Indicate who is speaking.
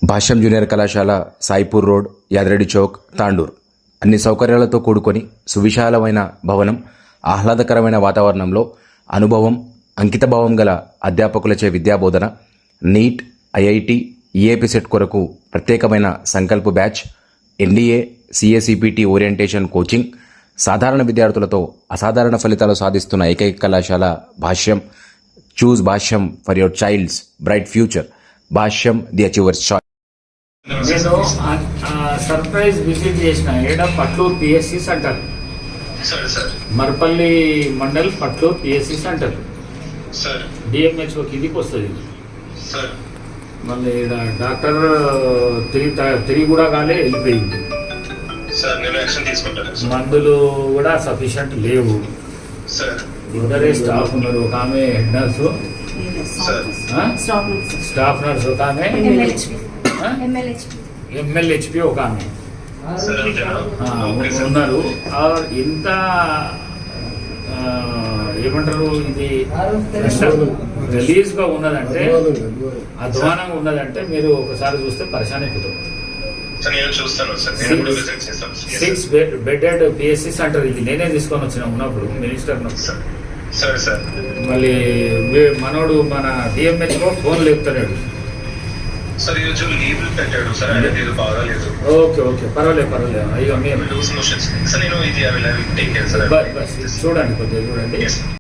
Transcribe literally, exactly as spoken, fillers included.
Speaker 1: భాష్యం junior కళాశాల Saipur road, Yadareddy chowk, Tandur అన్ని సౌకర్యాలతో కూడుకొని సువిశాలమైన భవనం, ఆహ్లాదకరమైన వాతావరణంలో అనుభవం, అంకితభావం గల అధ్యాపకులచే విద్యాబోధన, నీట్, ఐఐటి, ఈఏపీ సెట్ కొరకు ప్రత్యేకమైన Sankalp batch, NDA, CA CPT orientation coaching, సాధారణ విద్యార్థులతో అసాధారణ ఫలితాలు సాధిస్తున్న ఏకైక కళాశాల Bhashyam. Choose Bhashyam for your child's bright future. Bhashyam, the achievers choice.
Speaker 2: నేను సర్ప్రైజ్ విజిట్ చేసిన ఏడ Patluru PSC centre, Marpalli mandal Patluru PSC centre DMHO కిందికి వస్తుంది. మళ్ళీ ఈడ డాక్టర్ తిరిగి తిరిగి కూడా కాలే వెళ్ళిపోయింది. మందులు కూడా సఫిషియంట్ లేవు. ఇద్దరే స్టాఫ్ ఉన్నారు. ఒక ఆమె హెడ్ నర్సు, స్టాఫ్ నర్స్ ఒక ఆమె, ఎంఎల్హెచ్పి ఒక ఆమె ఉన్నారు. ఎంత ఏమంటారు, ఇది రిలీజ్ గా ఉన్నదంటే, అధ్వానంగా ఉన్నదంటే మీరు ఒకసారి చూస్తే పరిశాన్ అయిపోతారు. సిక్స్ బెడెడ్ పిఎస్సి సెంటర్ ఇది నేనే తీసుకొని వచ్చిన ఉన్నప్పుడు మినిస్టర్. మళ్ళీ మనోడు మన డిఎంహెచ్ఓ ఫోన్ లేపుతున్నాడు. ఓకే ఓకే పర్వాలేదు పర్వాలేదు. అయ్యో మీరు చూడండి, కొద్దిగా చూడండి.